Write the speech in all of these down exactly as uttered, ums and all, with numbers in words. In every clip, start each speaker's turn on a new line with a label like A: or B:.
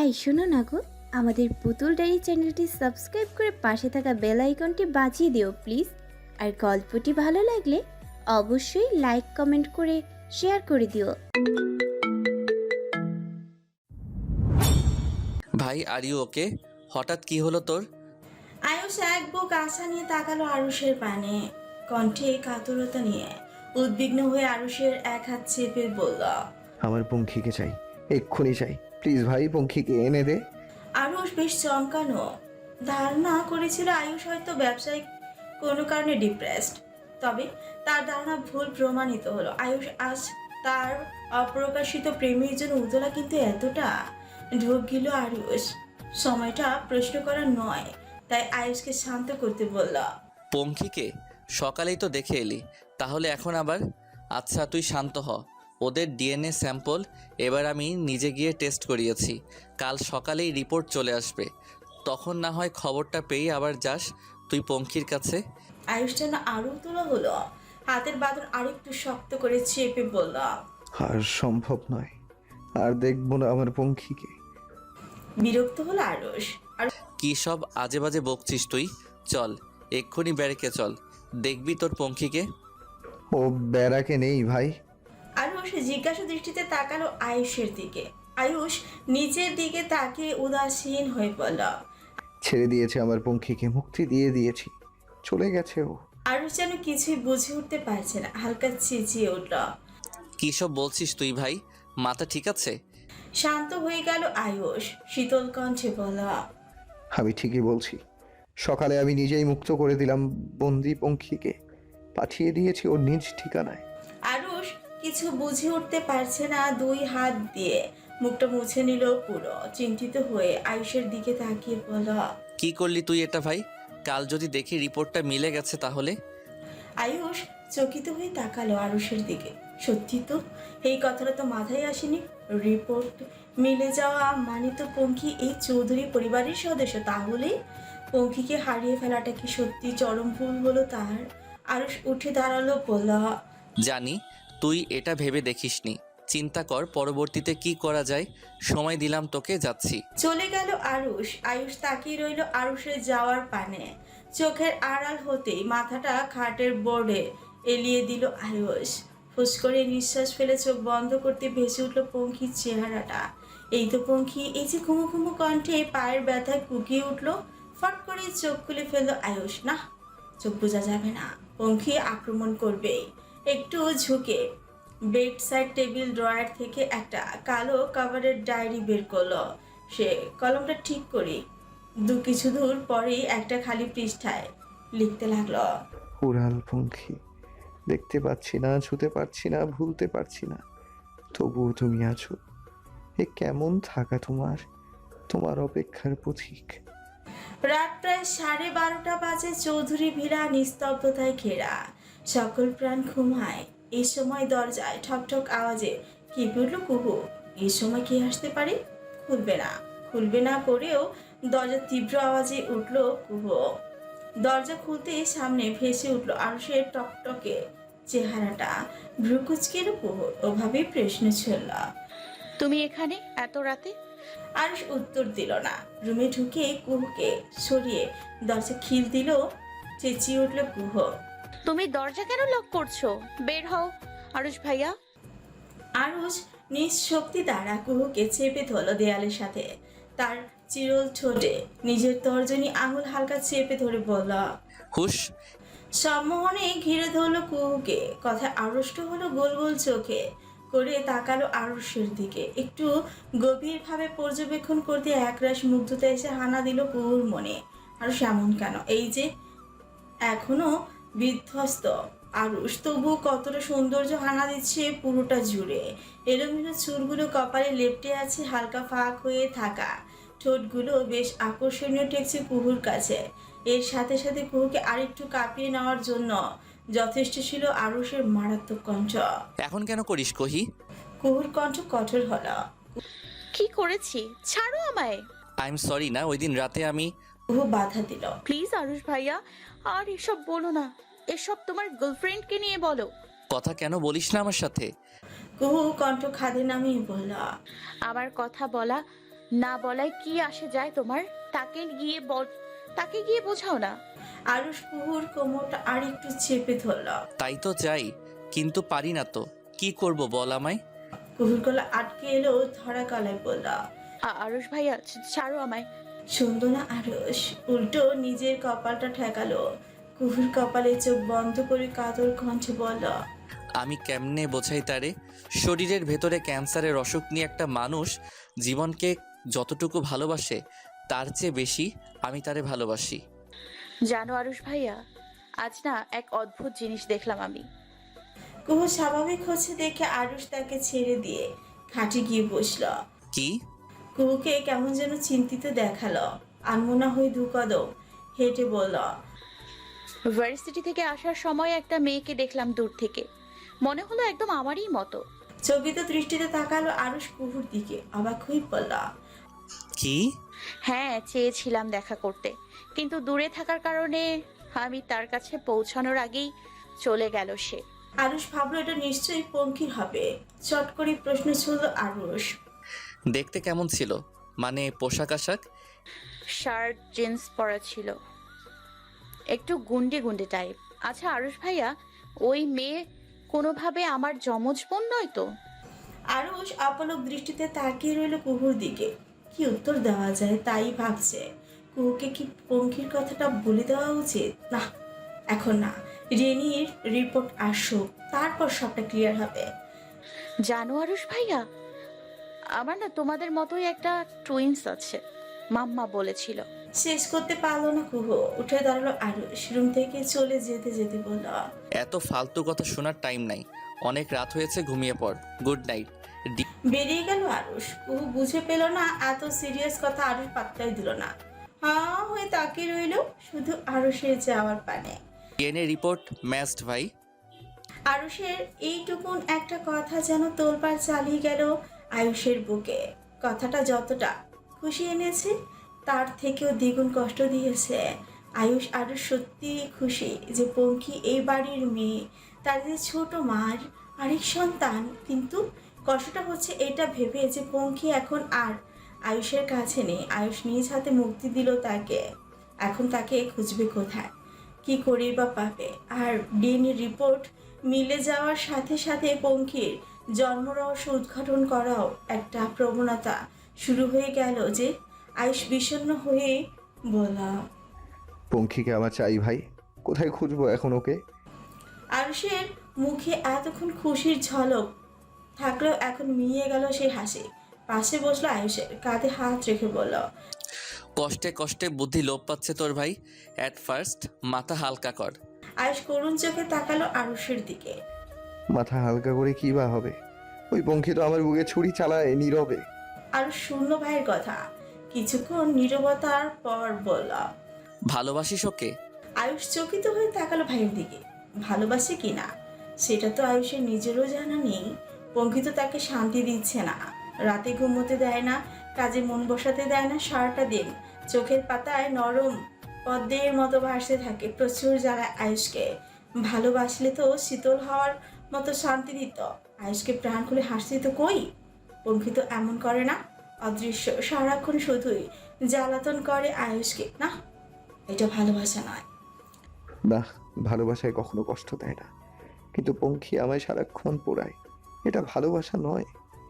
A: এই শোনো না গো, আমাদের পুতুল ডায়েরি চ্যানেলটি সাবস্ক্রাইব করে পাশে থাকা বেল আইকনটি বাজিয়ে দিও প্লিজ। আর গল্পটি ভালো লাগলে অবশ্যই লাইক কমেন্ট করে শেয়ার করে দিও।
B: ভাই আর ইউ ওকে? হঠাৎ কি হলো তোর?
C: আয়ুষ এক বুক আশা নিয়ে তাকালো আরুষের পানে, কণ্ঠে কাতরতা নিয়ে। উদ্বিগ্ন হয়ে আরুষের এক হাত চেপে বলল,
D: আমার পঙ্খিকে চাই, এক্ষুনি চাই, প্লিজ ভাই পঙ্খিকে এনে দে।
C: আরুষ বেশ চমকানো। ধারণা করেছিল আয়ুষ হয়তো ব্যবসায়িক কোনো কারণে ডিপ্রেসড, তবে তার ধারণা ভুল প্রমাণিত হলো। আয়ুষ আজ তার অপ্রকাশিত প্রেমের জন্য উতলা, কিন্তু এতটা ঢোক গেল আরুষ। সময়টা প্রশ্ন করা নয়, তাই আয়ুষকে শান্ত করতে বলল,
B: পঙ্খিকে সকালেই তো দেখে এলি, তাহলে এখন আবার? আচ্ছা তুই শান্ত হ। ওদের ডিএনএ স্যাম্পল এবার আমি নিজে গিয়ে টেস্ট করিয়েছি, কাল সকালেই রিপোর্ট চলে আসবে। তখন না হয় খবরটা পেয়ে আবার যাস তুই পঙ্খির কাছে।
C: আয়ুষ যেন আরো তোলা হলো, হাতের বাঁধন আরেকটু শক্ত করে চেপে বলল,
D: আর সম্ভব নয়, আর দেখবো না আমার পঙ্খিকে।
C: বিরক্ত হলো আরুষ। আর
B: কী সব আজে বাজে বকছিস তুই? চল এক্ষুনি ব্যারেকে চল, দেখবি তোর পঙ্খিকে।
D: ও ব্যারাকে নেই ভাই।
C: আয়ুষ জিজ্ঞাসা দৃষ্টিতে তাকালো আয়ুষের দিকে। আয়ুষ নিচের দিকে তাকিয়ে উদাসীন হয়ে পড়ল।
D: ছেড়ে দিয়েছে আমার পঙ্খিকে, মুক্তি দিয়ে দিয়েছি, চলে গেছে ও।
C: আয়ুষ যেন কিছুই বুঝে উঠতে পারছে না, হালকা চেঁচিয়ে উঠল।
B: কী সব বলছিস তুই ভাই? মাথা ঠিক আছে?
C: শান্ত হয়ে গেল আয়ুষ, শীতল কণ্ঠে বলল,
D: আমি ঠিকই বলছি, সকালে আমি নিজেই মুক্ত করে দিলাম বন্দি পঙ্খিকে, পাঠিয়ে দিয়েছি ওর নিজ ঠিকানায়।
C: আরুষ কিছু বুঝে উঠতে পারছে না, দুই হাত দিয়ে মুখটা মুছে নিল পুরো। চিন্তিত হয়ে আয়ুষের দিকে তাকিয়ে বলল,
B: কি করলি তুই এটা ভাই? কাল যদি দেখি রিপোর্টটা মিলে গেছে তাহলে?
C: আয়ুষ চকিত হয়ে তাকালো আরুষের দিকে। সত্যি তো, এই কথাটা তো মাথায় আসেনি। রিপোর্ট মিলে যাওয়া মানে তো পঙ্খী এই চৌধুরী পরিবারের সদস্য, তাহলে পঙ্খীকে হারিয়ে ফেলাটা কি সত্যি চরম ভুল হলো তার? আরুষ উঠে দাঁড়ালো, বলল,
B: জানি তুই এটা ভেবে দেখিসনি, চিন্তা কর পরবর্তীতে কি করা যায়। সময় দিলাম তোকে, যাচ্ছি।
C: চলে গেল আরুষ। আয়ুষ তাকিয়ে রইল আরুষের যাওয়ার পানে। চোখের আড়াল হতেই মাথাটা খাটের বোর্ডে এলিয়ে দিল আয়ুষ। ফুস করে নিঃশ্বাস ফেলে চোখ বন্ধ করতে ভেসে উঠল পঙ্খির চেহারাটা। এই তো পঙ্খি, এই যে ঘুমো ঘুমো কণ্ঠে পায়ের ব্যথায় কুকিয়ে উঠল। ফট করে চোখ খুলে ফেলল আয়ুষ। না, চোখ বোঝা যাবে না, পঙ্খি আক্রমণ করবেই। একটু ঝুঁকে বেড সাইড টেবিল ড্রয়ার থেকে একটা কালো কাভারের ডায়েরি বের করলো। সে কলমটা ঠিক করে দু কিছু দূর পরেই একটা খালি পৃষ্ঠায় লিখতে লাগলো,
D: উড়াল পঙ্খি, দেখতে পাচ্ছি না, ছুতে পারছি না, ভুলতে পারছি না, তবুও তুমি আছো। এ কেমন থাকা তোমার, তোমার অপেক্ষার পথিক।
C: রাত প্রায় সাড়ে বারোটা বাজে। চৌধুরী ভিড়া নিস্তব্ধতায় ঘেরা, সকল প্রাণ ঘুমায়। এই সময় দরজায় ঠকঠক আওয়াজে কেঁপে উঠল কুহু। এই সময় কে আসতে পারে? খুলবে না, খুলবে না করেও দরজার তীব্র আওয়াজে উঠল কুহু। দরজা খুলতে সামনে ভেসে উঠল আরুষের টকটকে চেহারাটা। ভ্রুকুচকে কুহু, ওভাবেই প্রশ্ন ছিল,
E: তুমি এখানে এত রাতে?
C: আরুষ উত্তর দিল না। রুমে ঢুকে কুহুকে সরিয়ে দরজা খিল দিল। চেঁচিয়ে উঠল কুহু।
E: তুমি দরজা কেন লক করছো? বের হও আরুষ ভাইয়া।
C: আরুষ নিজ শক্তি দ্বারা কুহুকে চেপে ধরল দেয়ালের সাথে। তার চিরল ঠোঁটে নিজের তর্জনী আঙুল হালকা চেপে ধরে বলল,
B: হুশ।
C: সম্মোহনে ঘিরে ধরল কুহুকে। কথা আড়ষ্ট হলো, গোল গোল চোখে করে তাকালো আরুষের দিকে। একটু গভীরভাবে পর্যবেক্ষণ করতে একরাশ মুগ্ধতা এসে হানা দিল কুহুর মনে। আরুষ এমন কেন? এই যে এখনো বিধ্বস্ত আরুষ, তবু কতটা সৌন্দর্য হানা দিচ্ছে পুরোটা জুড়ে। এলোমেলো চুলগুলো কপালে লেপ্টে আছে, হালকা ফাঁক হয়ে থাকা ঠোঁটগুলো বেশ আকর্ষণীয় ঠেকছে কুহুর কাছে। এর সাথে সাথে কুহুকে আরেকটু কাঁপিয়ে নেওয়ার জন্য যথেষ্ট ছিল আরুষের মারাত্মক কণ্ঠ।
B: এখন কেন করিস কহি?
C: কুহুর কণ্ঠ কঠোর হলো।
E: কি করেছি? ছাড়ো আমায়।
B: আই এম সরি না, ওই দিন রাতে আমি।
C: কুহু বাধা দিল,
E: প্লিজ আরুষ ভাইয়া, আর এসব বলো না। এসব তোমার গার্লফ্রেন্ডকে নিয়ে বলো।
B: কথা কেন বলিস না আমার সাথে?
C: কুহু কণ্ঠ খাদে নামিয়ে বলল,
E: আমার কথা বলা না বলায় কি আসে যায় তোমার? তাকে গিয়ে বল, তাকে গিয়ে বোঝাও না।
C: আরুষ কুহুর কোমরটা আর একটু চেপে ধরল।
B: তাই তো চাই, কিন্তু পারি না তো। কি করব বল আমায়?
C: কুহুর গলা আটকে এলো, ধরা গলায় বলল।
E: আ- আরুষ ভাইয়া ছ- ছাড়ো আমায়।
C: শুনল না আরুষ, উল্টো নিজের কপালটা ঠেকালো। কুহুর কপালে চোখ বন্ধ করে কাতর কণ্ঠে বলল।
B: আমি কেমনে বোঝাই তারে? শরীরের ভেতরে ক্যান্সারের অসুখ নিয়ে একটা মানুষ জীবনকে যতটুকু ভালোবাসে তার চেয়ে বেশি আমি তারে ভালোবাসি।
E: জানো আরুষ ভাইয়া, আজ না এক অদ্ভুত জিনিস দেখলাম আমি।
C: কুহু স্বাভাবিক হচ্ছে দেখে আরুষ তাকে ছেড়ে দিয়ে খাটে গিয়ে বসল।
B: কি?
C: কুহুকে কেমন যেন চিন্তিত দেখালো। আনমনা হয়ে দু কদম হেঁটে বলল।
E: ভার্সিটি থেকে আসার সময় একটা মেয়েকে দেখলাম দূর থেকে, মনে হলো একদম আমারই মতো।
C: চকিত দৃষ্টিতে তাকালো আরুষ কুহুর দিকে, অবাক হয়ে বলল।
B: কি?
E: হ্যাঁ, চেয়েছিলাম দেখা করতে, কিন্তু দূরে থাকার কারণে আমি তার কাছে পৌঁছানোর আগেই চলে গেল সে।
C: আরুষ ভাবলো এটা নিশ্চয়ই পঙ্কির হবে। চট করে প্রশ্ন ছুড়ল আরুষ।
B: দেখতে কেমন ছিল? মানে পোশাক আশাক?
E: শার্ট জিন্স পরা ছিল, একটু গুন্ডে গুন্ডে টাইপ। আচ্ছা আরুষ ভাইয়া, ওই মেয়ে কোনোভাবে আমার যমজ বোন নয় তো?
C: আরুষ অপলক দৃষ্টিতে তাকিয়ে রইল কুহুর দিকে। কি উত্তর দেওয়া যায় তাই ভাবছে। কুহুকে কি পঙ্কির কথাটা বলে দেওয়া উচিত? না, এখন না। রেনির রিপোর্ট আসুক, তারপর সবটা ক্লিয়ার হবে।
E: জানো আরুষ ভাইয়া, আমার না তোমাদের মতোই একটা টুইন্স আছে, মাম্মা বলেছিল।
C: শেষ করতে পারলো না কুহু, উঠে দাঁড়ালো আরুষ। রুম থেকে চলে যেতে যেতে বলল।
B: এত ফালতু কথা শোনার টাইম নাই, অনেক রাত হয়েছে, ঘুমিয়ে পড়। Good night.
C: বেরিয়ে গেল আরুষ। কুহু বুঝে পেল না এত সিরিয়াস কথা, আরুষ পাত্তাই দিল না। হ্যাঁ হয়ে তাকিয়ে রইল শুধু আরুষের যাওয়ার পানে।
B: ডিএনএ রিপোর্ট ম্যাচড ভাই।
C: আরুষের এইটুকুন একটা কথা যেন তোলপাড় চালিয়ে গেল আয়ুষের বুকে। কথাটা যতটা খুশি এনেছে তার থেকেও দ্বিগুণ কষ্ট দিয়েছে। আয়ুষ আরো সত্যি খুশি যে পঙ্কি এই বাড়ির মেয়ে, তার যে ছোট মার আরেক সন্তান। কিন্তু কষ্টটা হচ্ছে এটা ভেবে যে পঙ্কি এখন আর আয়ুষের কাছে নেই। আয়ুষ নিজ হাতে মুক্তি দিল তাকে, এখন তাকে খুঁজবে কোথায়, কি করে বা পাবে? আর ডিএনএ রিপোর্ট মিলে যাওয়ার সাথে সাথে পঙ্কির জন্মরহস্য উদ্ঘাটন করাও একটা প্রবণতা শুরু হয়ে গেল যে আয়ুষ বিষণ্ণ হয়ে বলা।
D: পঙ্খিকে আমার চাই ভাই, কোথায় খুঁজবো এখন ওকে?
C: আয়ুষের মুখে এতক্ষণ খুশির ঝলক থাকলেও এখন মিলিয়ে গেল সেই হাসি। পাশে বসলো আয়ুষের, কাঁধে হাত রেখে বলল।
B: কষ্টে কষ্টে বুদ্ধি লোপ পাচ্ছে তোর ভাই। অ্যাট ফার্স্ট মাথা হালকা কর।
C: আয়ুষ করুণ চোখে তাকালো আরুষের দিকে।
D: মাথা হালকা করে কি বা হবে? ওই পঙ্খি তো আমার বুকে ছুরি চালায় নীরবে।
C: আরুষ শূন্য ভাইয়ের কথা কিছুক্ষণ নীরবতার পর বলল।
B: ভালোবাসিস ওকে?
C: আয়ুষ চকিত হয়ে তাকালো ভাইয়ের দিকে। ভালোবাসে কিনা সেটা তো আয়ুষের নিজেরও জানা নেই। পঙ্কিত তাকে শান্তি দিচ্ছে না, রাতে ঘুমোতে দেয় না, কাজে মন বসাতে দেয় না। সারাটা দিন চোখের পাতায় নরম পদ্মের মতো ভাসতে থাকে। প্রচুর জ্বালায় আয়ুষকে। ভালোবাসলে তো শীতল হওয়ার মতো শান্তি দিত, আয়ুষকে প্রাণ খুলে হাসতে তো কই। পঙ্কিত এমন করে না, অদৃশ্য সারাক্ষণ শুধুই জ্বালাতন করে আয়ুষকে। না, এটা ভালোবাসা নয়।
D: না, ভালোবাসায় কখনো কষ্ট দেয় না, কিন্তু পঙ্খি আমায় সারাক্ষণ পোড়ায়। এটা ভালোবাসা নয়।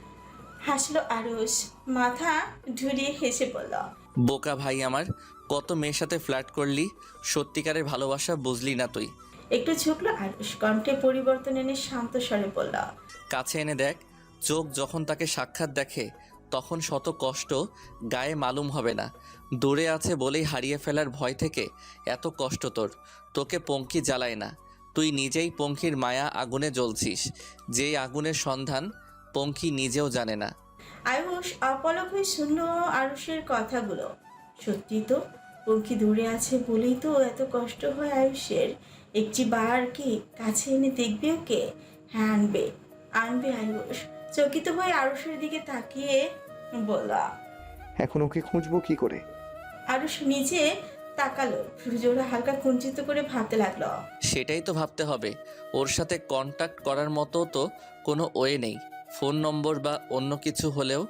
C: হাসলো আরুষ, মাথা ঝুলিয়ে হেসে বলল।
B: বোকা ভাই আমার, কত মেয়ের সাথে ফ্ল্যাট করলি, সত্যিকারের ভালোবাসা বুঝলি না তুই।
C: একটু ঝুঁকলো আরুষ, কণ্ঠে পরিবর্তন এনে শান্ত স্বরে বলল।
B: কাছে এনে দেখ, চোখ যখন তাকে সাক্ষাৎ দেখে তখন শত কষ্ট গায়ে মালুম হবে না। দূরে আছে বলেই হারিয়ে ফেলার ভয় থেকে এত কষ্ট তোর। তোকে পঙ্কি জ্বালায় না, তুই নিজেই পঙ্কির মায়া আগুনে জ্বলছিস, যেই আগুনের সন্ধান পঙ্কি নিজেও জানে না।
C: আয়ুষ অপলক হয়ে শুনল আরুষের কথাগুলো। সত্যি তো, পঙ্কি দূরে আছে বলেই তো এত কষ্ট হয় আয়ুষের। একটি বার কি কাছে এনে দেখবে ওকে? হ্যাঁ আনবে, আনবে আয়ুষ। চকিত হয়ে আরুষের দিকে তাকিয়ে বলল।
D: এখন ওকে খুঁজবো কি করে?
C: আরুষ নিচে তাকালো, সূর্যরা হালকা কুঞ্চিত করে ভাবতে লাগলো।
B: সেটাই তো ভাবতে হবে। ওর সাথে কন্ট্যাক্ট করার মতো তো কোনো ওয়ে নেই, ফোন নম্বর বা অন্য কিছু হলেও।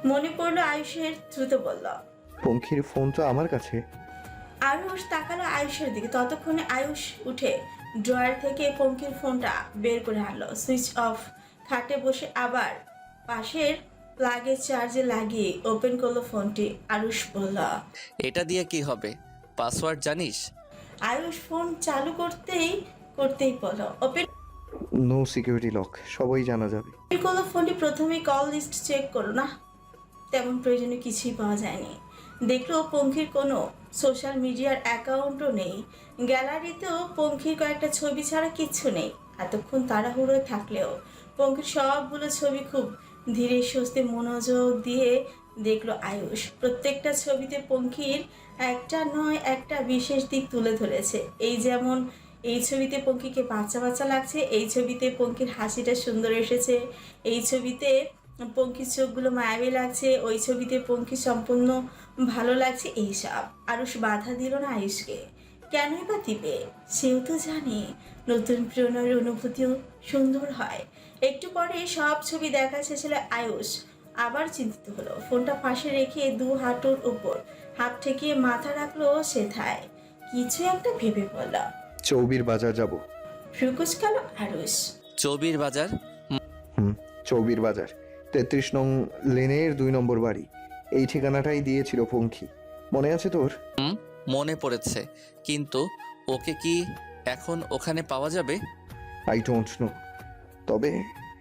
C: মনে পড়লো আয়ুষের, দ্রুত বলল।
D: পঙ্খির ফোন তো আমার কাছে।
C: আয়ুষ তাকালো আয়ুষের দিকে। ততক্ষণে আয়ুষ উঠে ড্রয়ার থেকে পঙ্খির ফোনটা বের করে আনলো। Switch off. খাটে বসে আবার পাশের প্লাগে চার্জে লাগিয়ে ওপেন করলো ফোনটি। আয়ুষ বলল।
B: এটা দিয়ে কি হবে? পাসওয়ার্ড জানিস?
C: আয়ুষ ফোন চালু করতেই করতেই বলল। ওপেন
D: নো সিকিউরিটি লক, সবাই জানা যাবে।
C: করলো ফোনটি। প্রথমেই কল লিস্ট চেক করো না, তেমন প্রয়োজনীয় কিছুই পাওয়া যায়নি। দেখলো পঙ্খির কোনো সোশ্যাল মিডিয়ার অ্যাকাউন্টও নেই। গ্যালারিতেও পঙ্খির কয়েকটা ছবি ছাড়া কিচ্ছু নেই। এতক্ষণ তাড়াহুড়োয় থাকলেও পঙ্খির সবগুলো ছবি খুব ধীরে সুস্থে মনোযোগ দিয়ে দেখলো আয়ুষ। প্রত্যেকটা ছবিতে পঙ্খির একটা নয় একটা বিশেষ দিক তুলে ধরেছে। এই যেমন এই ছবিতে পঙ্খিকে বাচ্চা বাচ্চা লাগছে, এই ছবিতে পঙ্খির হাসিটা সুন্দর এসেছে, এই ছবিতে পঙ্খির চোখগুলো মায়াবী লাগছে, ওই ছবিতে পঙ্খি সম্পূর্ণ ভালো লাগছে। এইসব আরুষ বাধা দিল না আয়ুষকে। কেনই বা দিবে? সেও তো জানে নতুন প্রণয়ের অনুভূতিও সুন্দর হয়। একটু পরে সব ছবি দেখা শেষ হলে আয়ুষ আবার চিন্তিত হলো। ফোনটা পাশে রেখে দু হাঁটুর উপর হাত ঠেকিয়ে মাথা রাখলো সেথায়। কিছু একটা ভেবে বলল।
D: চৌবির বাজার যাব।
C: ফ্রুকুচ গেল আরুষ।
B: চৌবির বাজার?
D: হুম, চৌবির বাজার, তেত্রিশ নং লেনের দুই নম্বর বাড়ি। এই ঠিকানাটাই দিয়েছিল পঙ্খি, মনে আছে তোর?
B: হুম, মনে পড়েছে, কিন্তু ওকে কি এখন ওখানে পাওয়া যাবে?
D: আই ডোন্ট নো, তবে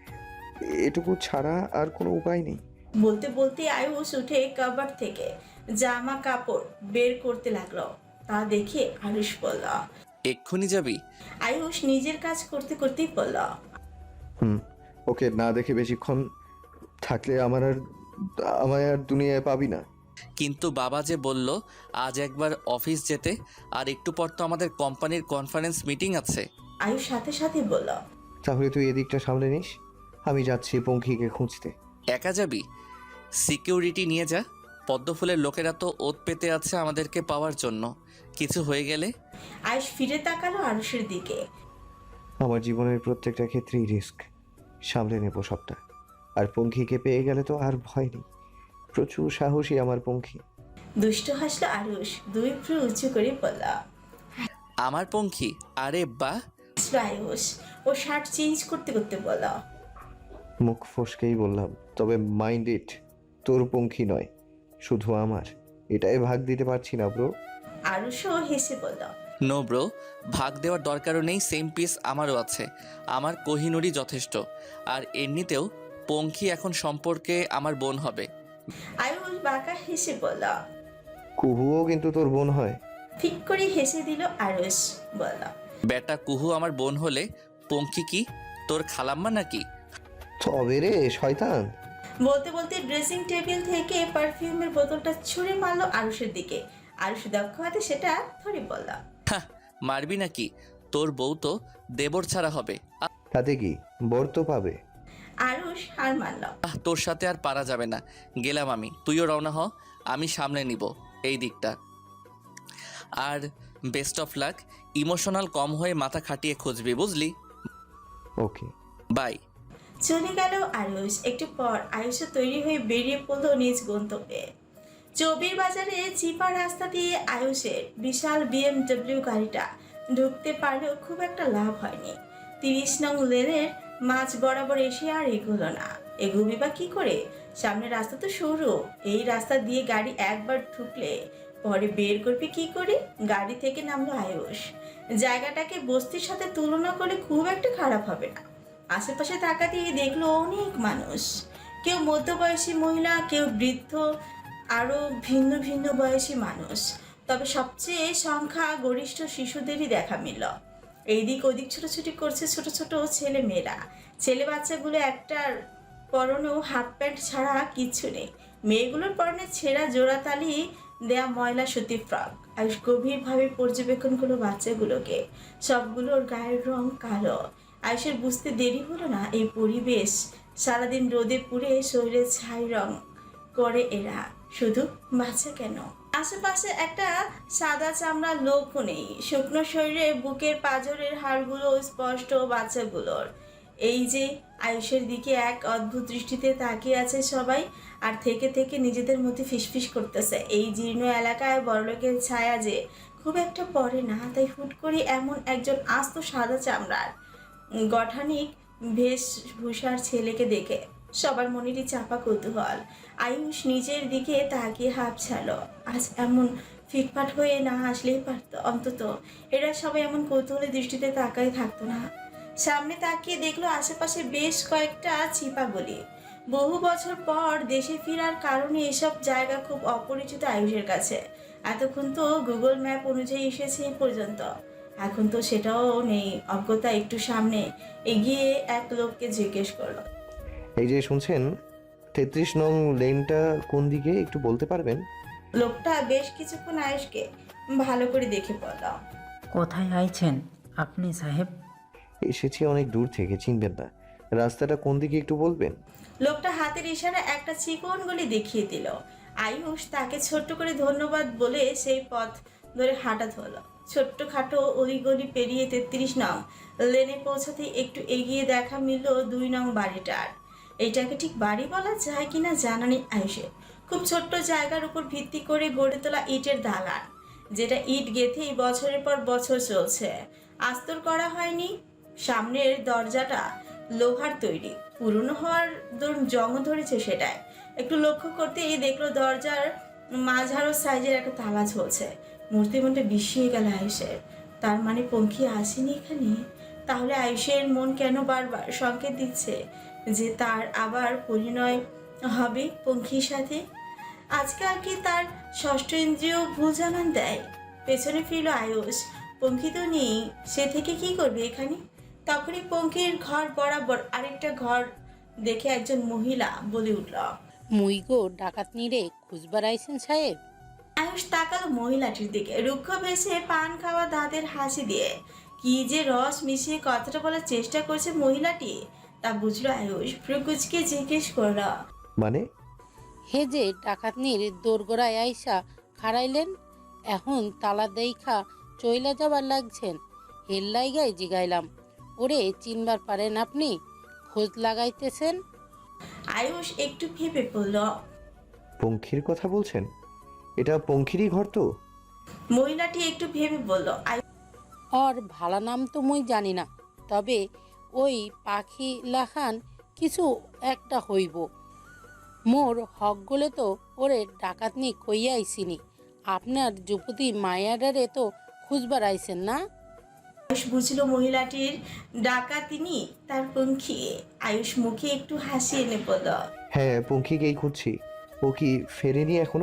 D: এটুকু ছাড়া আর কোনো উপায় নেই।
C: বলতে বলতে আয়ুষ উঠে কাবার থেকে জামা কাপড় বের করতে লাগলো। তা দেখে আয়ুষ বলল।
B: এক্ষুনি যাবি?
C: আয়ুষ নিজের কাজ করতে করতেই বলল।
D: হুম, ওকে না দেখে বেশিক্ষণ থাকলে আমার আর আমায় আর দুনিয়ায় পাবি না।
B: কিন্তু বাবা যে বলল আজ একবার অফিস যেতে, আর একটু পর তো আমাদের কোম্পানির কনফারেন্স মিটিং আছে।
C: আয়ুষ সাথে সাথে বলল।
D: তাহলে তুই এদিকটা সামলে নিস, আমি যাচ্ছি পঙ্খিকে খুঁজতে।
B: একা যাবি? সিকিউরিটি নিয়ে যা। পদ্মফুলের লোকেরা তো ওত পেতে আছে আমাদেরকে পাওয়ার জন্য। কিছু হয়ে গেলে?
C: আয়ুষ ফিরে তাকালো আরুষের দিকে।
D: আমার জীবনের প্রত্যেকটা ক্ষেত্রেই রিস্ক, সামলে নেব সবটা। আর পঙ্খিকে পেয়ে গেলে তো আর ভয় নেই, প্রচুর সাহসী আমার পঙ্খি।
C: দুষ্ট হাসলো আরুষ, দুই ভ্রু উঁচু করে বলল।
B: আমার পঙ্খী? আরে বাহ।
C: আয়ুষ ও শার্ট চেঞ্জ করতে করতে বলল।
D: মুখ ফসকেই বললাম, তবে মাইন্ড ইট, তোর পঙ্খি নয়, শুধু আমার। এটাই ভাগ দিতে পারছি না ব্রো।
C: আরুষও হেসে বলল।
B: নো ব্রো, ভাগ দেওয়ার দরকারও নেই, সেম পিস আমারও আছে। আমার কোহিনুরই যথেষ্ট। আর এমনিতেও পঙ্খী এখন সম্পর্কে আমার বোন হবে।
C: আয়ুষ বাঁকা হেসে বলল।
D: কুহুও কিন্তু তোর বোন হয়।
C: ঠিক করে হেসে দিল আরুষ, বলল।
B: বেটা কুহু আমার বোন হলে পঙ্খী কি তোর খালাম্মা নাকি?
D: তবে রে শয়তান।
C: বলতে বলতে ড্রেসিং টেবিল থেকে পারফিউমের বোতলটা ছুঁড়ে মারলো আরুষের দিকে। আরুষ দক্ষ হাতে সেটা ধরে বলল।
B: হ্যাঁ, মারবি নাকি? তোর বউ তো দেবর ছাড়া হবে।
D: তাতে কি, বর তো পাবে।
C: আরুষ হার মানল।
B: আহ, তোর সাথে আর পারা যাবে না, গেলাম আমি। তুইও রওনা হ, আমি সামলে নিব এই দিকটা। আর বেস্ট অফ লাক। ইমোশনাল কম হয়ে মাথা খাটিয়ে খুঁজবি, বুঝলি?
D: Okay
B: bye.
C: চলে গেল আয়ুষ। একটু পর আয়ুষও তৈরি হয়ে বেরিয়ে পড়ল নিজ গন্তব্যে। চৌবির বাজারে চিপা রাস্তা দিয়ে আয়ুষের বিশাল বিএমডব্লিউ গাড়িটা ঢুকতে পারলেও খুব একটা লাভ হয়নি। তিরিশ নং লেনের মাঝ বরাবর এসে আর এগোলো না। এগোবি বা কি করে? সামনের রাস্তা তো সরু, এই রাস্তা দিয়ে গাড়ি একবার ঢুকলে পরে বের করবে কি করে? গাড়ি থেকে নামলো আয়ুষ। জায়গাটাকে বস্তির সাথে তুলনা করলে খুব একটা খারাপ হবে না। আশেপাশে তাকাতেই দেখলো অনেক মানুষ, কেউ মধ্যবয়সী মহিলা, কেউ বৃদ্ধ, আরও ভিন্ন ভিন্ন বয়সী মানুষ। তবে সবচেয়ে সংখ্যা গরিষ্ঠ শিশুদেরই দেখা মিলল। এইদিক ওদিক ছোটাছুটি করছে ছোট ছোট ছেলে মেয়েরা। ছেলে বাচ্চাগুলো একটার পরনেও হাফ প্যান্ট ছাড়া কিচ্ছু নেই। মেয়েগুলোর পরনে ছেঁড়া জোড়াতালি দেয়া ময়লা সুতি ফ্রক। আয়ুষ গভীরভাবে পর্যবেক্ষণ করলো বাচ্চাগুলোকে। সবগুলোর গায়ের রং কালো। আয়ুষের বুঝতে দেরি হলো না, এই পরিবেশ সারাদিন রোদে পুড়ে শরীরে ছাই রং করে এরা, শুধু বাচ্চা কেন, আশেপাশে একটা সাদা চামড়ার লোকও নেই। শুকনো শরীরে বুকের পাঁজরের হাড়গুলো স্পষ্ট বাচ্চাগুলোর। এই যে আয়ুষের দিকে এক অদ্ভুত দৃষ্টিতে তাকিয়ে আছে সবাই, আর থেকে থেকে নিজেদের মধ্যে ফিসফিস করতেছে। এই জীর্ণ এলাকায় বড়লোকের ছায়া যে খুব একটা পড়ে না, তাই হুট করে এমন একজন আস্ত সাদা চামড়ার গঠানিক বেশভূষার ছেলেকে দেখে সবার মনেরই চাপা কৌতূহল। আয়ুষ নিজের দিকে তাকিয়ে হাঁপ ছাড়ল। আজ এমন ফিটফাট হয়ে না আসলেই পারত, অন্তত এরা সবাই এমন কৌতূহলের দৃষ্টিতে তাকায় থাকতো না। সামনে তাকিয়ে দেখলো আশেপাশে বেশ কয়েকটা চিপা গলি। বহু বছর পর দেশে ফেরার কারণে এসব জায়গা খুব অপরিচিত আয়ুষের কাছে। এতক্ষণ তো গুগল ম্যাপ অনুযায়ী এসেছে এই পর্যন্ত, এখন তো সেটাও নেই। অজ্ঞতা একটু সামনে এগিয়ে এক লোককে জিজ্ঞেস করলো,
D: এই যে শুনছেন, তেত্রিশ নং লেনটা কোন দিকে একটু বলতে পারবেন?
C: লোকটা বেশ কিছুক্ষণ আয়ুষকে ভালো করে দেখে পড়ল।
F: কোথায় আইছেন আপনি সাহেব?
D: এসেছি অনেক দূর থেকে, চিনবেন না। রাস্তাটা কোন দিকে একটু বলবেন?
C: লোকটা হাতের ইশারা একটা চিকন গলি দেখিয়ে দিল। আয়ুষ তাকে ছোট্ট করে ধন্যবাদ বলে সেই পথ ধরে হাঁটা ধরলো। ছোট্ট খাটো ওই গলি পেরিয়ে তেত্রিশ নং লেনে পৌঁছাতে একটু এগিয়ে দেখা মিলল দুই নং বাড়িটার। এইটাকে ঠিক বাড়ি বলা যায় কিনা জানা নেই আয়ুষের। খুব ছোট্ট জায়গার উপর ভিত্তি করে গড়ে তোলা ইটের দালান, যেটা ইট গেঁথেই বছরের পর বছর চলছে, আস্তর করা হয়নি। সামনের দরজাটা লোহার তৈরি, পুরনো হওয়ার দরুন জং ধরেছে সেটাই। একটু লক্ষ্য করতেই দেখলো দরজার মাঝারো সাইজের একটা তালা ঝুলছে। মূর্তি মনটা বিষিয়ে গেল আয়ুষের। তার মানে পঙ্খী আসেনি এখানে? তাহলে আয়ুষের মন কেন বারবার সংকেত দিচ্ছে যে তার আবার পরিণয় হবে পঙ্খীর সাথে? আজকাল কি তার ষষ্ঠ ইন্দ্রিয় ভুল জানান দেয়? পেছনে ফিরল আয়ুষ। পঙ্খী তো নেই, সে থেকে কি করবে এখানে? তখনই পঙ্খির ঘর বরাবর আরেকটা ঘর দেখে একজন মহিলা বলে উঠল,
G: মুই গো ডাকাতনি রে খুঁজবার আইছেন সাহেব?
C: আয়ুষ তাকালো মহিলাটির দিকে, রুক্ষ ভেসে পান খাওয়া দাঁতের হাসি দিয়ে কি যে রস মিশিয়ে কথাটা বলার চেষ্টা করছে মহিলাটি তা বুঝলো আয়ুষ। প্রকুচকে জিজ্ঞেস করল,
D: মানে?
G: হে যে ডাকাতনির দোরগোড়ায় আইসা খাড়াইলেন, এখন তালা দেইখা চইলা যাবার লাগছেন। হের লাইগাই জিগাইলাম, ওরে চিনবার পারেন আপনি? খোঁজ লাগাইতেছেন?
C: আয়ুষ একটু ভেবে পড়ল।
D: পঙ্খির কথা বলছেন? এটা পঙ্খিরই ঘর তো?
C: মহিলাটি একটু ভেবে বলল,
G: ওর ভালা নাম তো মুই জানি না, তবে ওই পাখি লাখান কিছু একটা হইব। মোর হক গলে তো ওরে ডাকাতনি কইয়া আইসিনি। আপনার যুবতী মায়াডারে তো খুঁজবার আইছেন না?
C: আয়ুষ বুঝলো মহিলাটির ডাকাতিনি তার পঙ্খী। আয়ুষ মুখে একটু হাসি এনে বলল,
D: হ্যাঁ, পঙ্খিকেই খুঁজছি। ও কি ফেরেনি এখনো?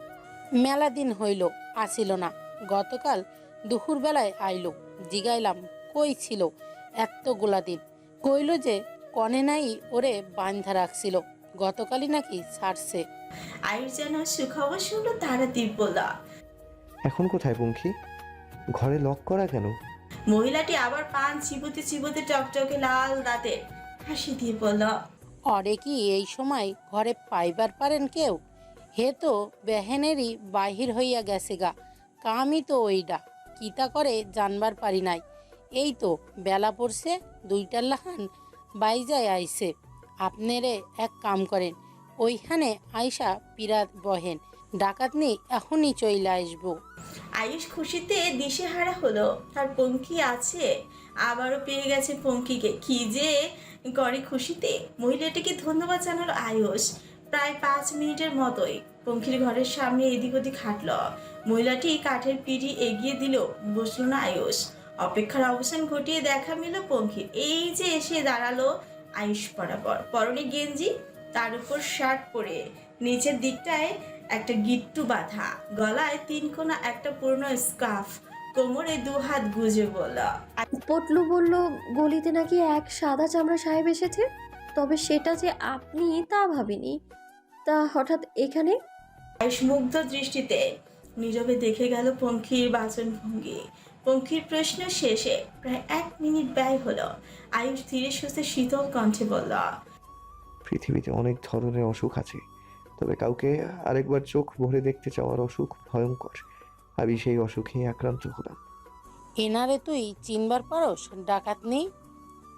G: মেলা দিন হইল আসিল না, গতকাল দুপুর বেলায় আইলো। জিগাইলাম কই ছিল এতগুলা দিন, কইল যে কনে নাই ওরে বান্ধা রাখছিল, গতকালই নাকি ছাড়ছে।
C: আয়ুষ যেন সুখবর শুনলো তাড়াতাড়ি বলল,
D: এখন কোথায় পঙ্খি? ঘরে লক করা কেন?
C: মহিলাটি আবার পান চিবোতে চিবোতে টকটকে লাল দাঁতে হাসি দিয়ে বলল,
G: অরে কি এই সময় ঘরে পাইবার পারেন কেউ? হে তো বেহেনেরই বাহির হইয়া গেছে গা, কামই তো ওইডা, কিতা করে জানবার পারি নাই। এই তো বেলা পড়ছে, দুইটার লাহান বাইজায় আইছে। আপনারে এক কাম করেন, ওইখানে আইসা পিরাত বহেন, ডাকাতনি এখনই চইলা আসবো।
C: আয়ুষ খুশিতে দিশেহারা হলো। তার পঙ্খী আছে, আবারও পেয়ে গেছে পঙ্খীকে। কি যে করে খুশিতে। মহিলাটিকে ধন্যবাদ জানালো আয়ুষ। প্রায় পাঁচ মিনিটের মতোই পঙ্খির ঘরের সামনে এদিক ওদিক হাঁটল। মহিলাটি কাঠের পিঁড়ি এগিয়ে দিল, বসলো না আয়ুষ। অপেক্ষার অবসান ঘটিয়ে দেখা মিল পঙ্খির। এই যে এসে দাঁড়ালো আয়ুষ বরাবর, পরনে গেঞ্জি, তার উপর শার্ট পরে, নিচের দিকটায় একটা গিট্টু বাঁধা, গলায় তিন কোনা একটা পুরনো স্কার্ফ, কোমরে দু হাত গুজে বলল,
H: পটলু বলল গলিতে নাকি এক সাদা চামড়া সাহেব এসেছে, তবে সেটা যে আপনি তা ভাবিনি। তা হঠাৎ এখানে?
C: আয়ুষ মুগ্ধ দৃষ্টিতে নীরবে দেখে গেল পঙ্খির বাচন ভঙ্গি। পঙ্খির প্রশ্ন শেষে প্রায় এক মিনিট ব্যয় হলো। আয়ুষ ধীরে সুস্থে শীতল কণ্ঠে বলল,
D: পৃথিবীতে অনেক ধরনের অসুখ আছে, তবে কাউকে আরেকবার চোখ ভরে দেখতে চাওয়ার অসুখ ভয়ঙ্কর। আমি সেই অসুখেই আক্রান্ত হলাম।
G: এনারে তুই চিনবার পারস ডাকাতনি?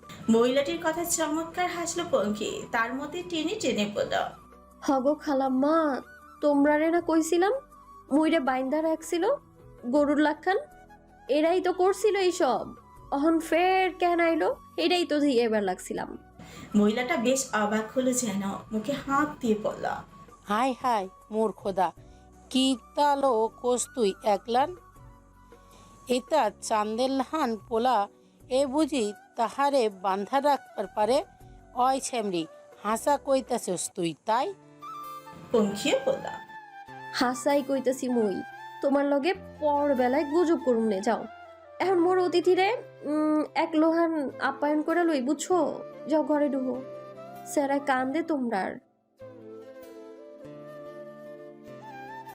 C: মহিলাটির কথা চমৎকার হাসলো পঙ্খী, তার মধ্যে টেনে টেনে বলল,
H: হগো খালাম্মা, তোমরারে না কইছিলাম মুইরে বাইন্দা রাখছিল গরুর লাখান, এরাই তো করছিল এইসব, অহন ফের কেন আইলো, এটাই তো দিয়ে এবার লাগছিলাম।
C: মহিলাটা বেশ অবাক হলো, যেন মুখে হাত দিয়ে বলল,
G: হাই হাই মোর খোদা, কি তালো কোস তুই একলান? এটা চান্দের লাহান পোলা, এ বুঝি তাহারে বান্ধা রাখবার পারে? অয় ছেমরি, হাসা কইতাছস তুই তাই?
C: পঙ্খিও বলল,
H: হাসাই কইতাছি মুই, তোমার লগে পর বেলায় গুজব করুম নে যাও। এখন মোর অতিথিরে উম, এক লোহান আপ্যায়ন করে লই, বুঝছো? যাও ঘরে ঢুকো, স্যারা কান্দে তোমরার।